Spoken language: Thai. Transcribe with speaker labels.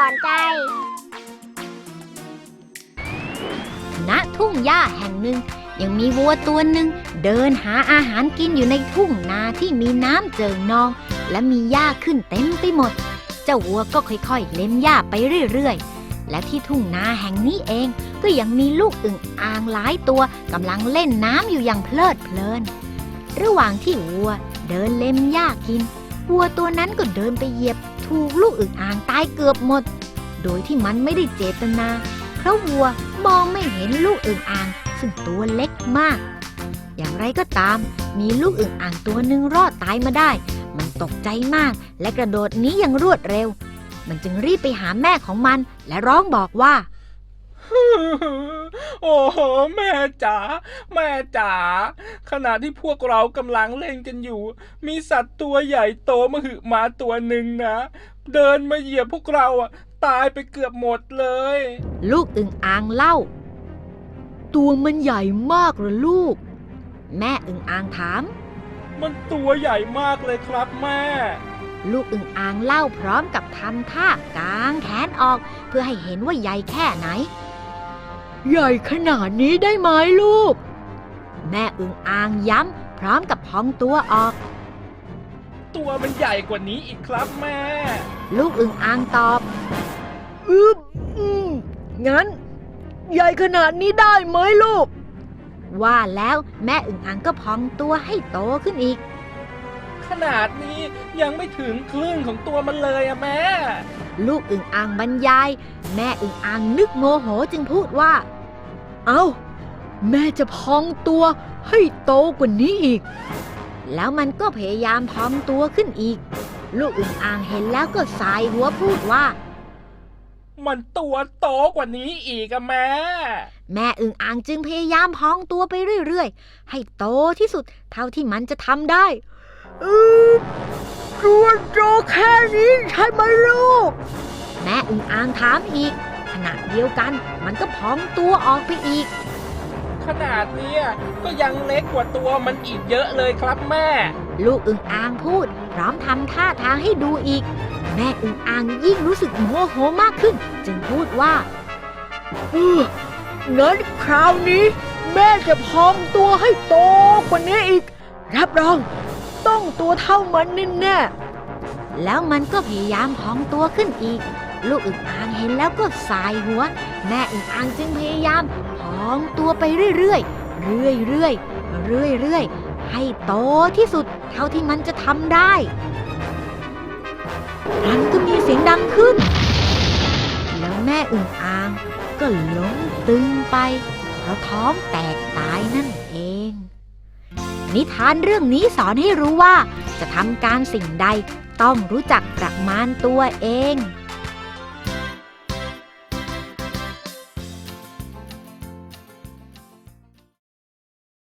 Speaker 1: อนใจณทุ่งหญ้าแห่งหนึ่งยังมีวัวตัวหนึ่งเดินหาอาหารกินอยู่ในทุ่งนาที่มีน้ำเจิ่งนองและมีหญ้าขึ้นเต็มไปหมดเจ้าวัวก็ค่อยๆเล็มหญ้าไปเรื่อยๆและที่ทุ่งนาแห่งนี้เองก็ยังมีลูกอึ่งอ่างหลายตัวกำลังเล่นน้ำอยู่อย่างเพลิดเพลินระหว่างที่วัวเดินเล็มหญ้ากินวัวตัวนั้นก็เดินไปเหยียบถูกลูกอึ่งอ่างตายเกือบหมดโดยที่มันไม่ได้เจตนาเพราะวัวมองไม่เห็นลูกอึ่งอ่างซึ่งตัวเล็กมากอย่างไรก็ตามมีลูกอึ่งอ่างตัวหนึ่งรอดตายมาได้มันตกใจมากและกระโดดหนีอย่างรวดเร็วมันจึงรีบไปหาแม่ของมันและร้องบอกว่า
Speaker 2: โอ้โหแม่จ๋าแม่จ๋าขณะที่พวกเรากำลังเล่นกันอยู่มีสัตว์ตัวใหญ่โตมหึมาตัวหนึ่งนะเดินมาเหยียบพวกเราตายไปเกือบหมดเลย
Speaker 1: ลูกอึ่งอ่างเล่าตัวมันใหญ่มากเหรอลูกแม่อึ่งอ่างถาม
Speaker 2: มันตัวใหญ่มากเลยครับแม่
Speaker 1: ลูกอึ่งอ่างเล่าพร้อมกับทำท่ากางแขนออกเพื่อให้เห็นว่าใหญ่แค่ไหนใหญ่ขนาดนี้ได้ไหมลูกแม่อึ่งอ่างย้ำพร้อมกับพองตัวออก
Speaker 2: ตัวมันใหญ่กว่านี้อีกครับแม่
Speaker 1: ลูกอึ่งอ่างตอบงั้นใหญ่ขนาดนี้ได้ไหมลูกว่าแล้วแม่อึ่งอ่างก็พองตัวให้โตขึ้นอีก
Speaker 2: ขนาดนี้ยังไม่ถึงครึ่งของตัวมันเลยแม่
Speaker 1: ลูกอึ่งอ่างบรรยายแม่อึ่งอ่างนึกโมโหจึงพูดว่าเอ้าแม่จะพองตัวให้โตกว่านี้อีกแล้วมันก็พยายามพองตัวขึ้นอีกลูกอึ่งอ่างเห็นแล้วก็สายหัวพูดว่า
Speaker 2: มันตัวโตกว่านี้อีกแม่
Speaker 1: อึ่งอ่างจึงพยายามพองตัวไปเรื่อยๆให้โตที่สุดเท่าที่มันจะทำได้ตัวโตแค่นี้ใช่ไหมลูกแม่อึ่งอ่างถามอีกขณะเดียวกันมันก็พองตัวออกไปอีก
Speaker 2: ขนาดนี้ก็ยังเล็กกว่าตัวมันอีกเยอะเลยครับแม่
Speaker 1: ลูกอึ่งอ่างพูดพร้อมทำท่าทางให้ดูอีกแม่อึ่งอ่างยิ่งรู้สึกโมโหมากขึ้นจึงพูดว่างั้นคราวนี้แม่จะพองตัวให้โตกว่านี้อีกรับรองต้องตัวเท่ามันแน่ๆแล้วมันก็พยายามพองตัวขึ้นอีกลูกอึ่งอ่างเห็นแล้วก็สายหัวแม่อึ่งอ่างจึงพยายามพองตัวไปเรื่อยๆเรื่อยๆให้โตที่สุดเท่าที่มันจะทำได้มันก็มีเสียงดังขึ้นแล้วแม่อึ่งอ่างก็ล้มตึงไปเพราะท้องแตกตายนั่นเองนิทานเรื่องนี้สอนให้รู้ว่าจะทำการสิ่งใดต้องรู้จักประมาณตัวเอง